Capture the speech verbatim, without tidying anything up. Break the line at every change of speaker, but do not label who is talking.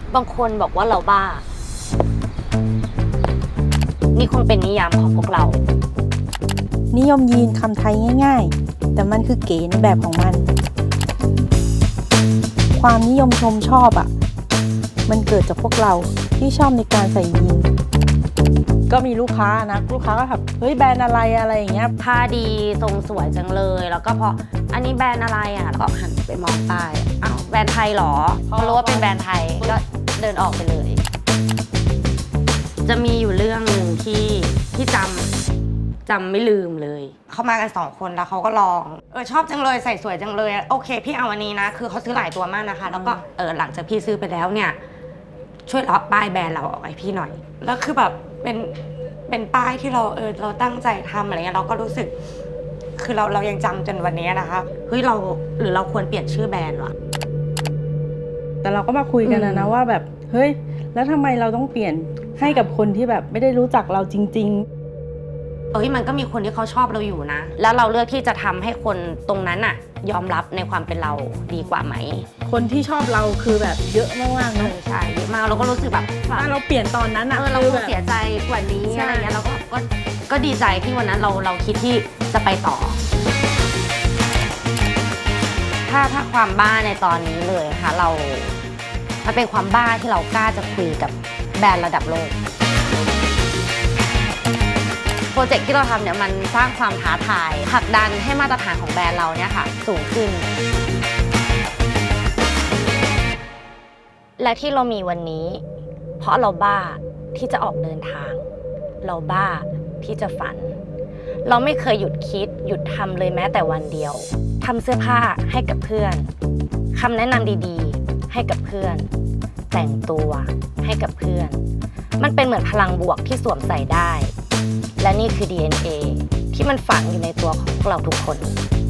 บางคนบอกว่าเราบ้านี่คงเป็นนิยามของพวกเรา
นิยมยีนคำไทยง่ายๆแต่มันคือเก๋ในแบบของมันความนิยมชมชอบอ่ะมันเกิดจากพวกเราที่ชอบในการใส่ยีนก็มีลูกค้านะลูกค้าก็แบบเฮ้ยแบรนด์อะไรอะไรอย่างเงี้ย
ผ้าดีทรงสวยจังเลยแล้วก็พออันนี้แบรนด์อะไรอ่ะแล้วก็หันไปมองป้ายอ้าวแบรนด์ไทยเหรอพอรู้ว่าเป็นแบรนด์ไทยก็เดินออกไปเลยจะมีอยู่เรื่องหนึ่งที่ที่จำจำไม่ลืมเลยเขามากันสองคนแล้วเขาก็ลองเออชอบจังเลยใส่สวยจังเลยโอเคพี่เอาอันนี้นะคือเขาซื้อหลายตัวมากนะคะแล้วก็เออหลังจากพี่ซื้อไปแล้วเนี่ยช่วยเลาะป้ายแบรนด์เราออกให้พี่หน่อยแล้วคือแบบเป็นเป็นป้ายที่เราเออเราตั้งใจทำอะไรเงี้ยเราก็รู้สึกคือเราเรายังจำจนวันนี้นะคะเฮ้ยเราหรือเราควรเปลี่ยนชื่อแบรนด์วะ
แต่เราก็มาคุยกันนะนะว่าแบบเฮ้ยแล้วทำไมเราต้องเปลี่ยนให้กับคนที่แบบไม่ได้รู้จักเราจริงๆ
เอ้ยมันก็มีคนที่เขาชอบเราอยู่นะแล้วเราเลือกที่จะทำให้คนตรงนั้นอะยอมรับในความเป็นเราดีกว่าไหม
คนที่ชอบเราคือแบบเยอะมากๆนะ
ใช่เยอะมากเราก็รู้สึกแบบ
ถ้าเราเปลี่ยนตอนนั้นอะ
เออเราคงเสียใจกว่านี้อะไรเงี้ยเราก็ก็ก็ดีใจที่วันนั้นเราเราคิดที่จะไปต่อถ้าถ้าความบ้าในตอนนี้เลยค่ะเรามันเป็นความบ้าที่เรากล้าจะคุยกับแบรนด์ระดับโลกโปรเจกต์ที่เราทำเนี่ยมันสร้างความท้าทายผลักดันให้มาตรฐานของแบรนด์เราเนี่ยค่ะสูงขึ้นและที่เรามีวันนี้เพราะเราบ้าที่จะออกเดินทางเราบ้าที่จะฝันเราไม่เคยหยุดคิดหยุดทำเลยแม้แต่วันเดียวทำเสื้อผ้าให้กับเพื่อนคำแนะนำดีๆให้กับเพื่อนแต่งตัวให้กับเพื่อนมันเป็นเหมือนพลังบวกที่สวมใส่ได้และนี่คือ ดี เอ็น เอ ที่มันฝังอยู่ในตัวของพวกเราทุกคน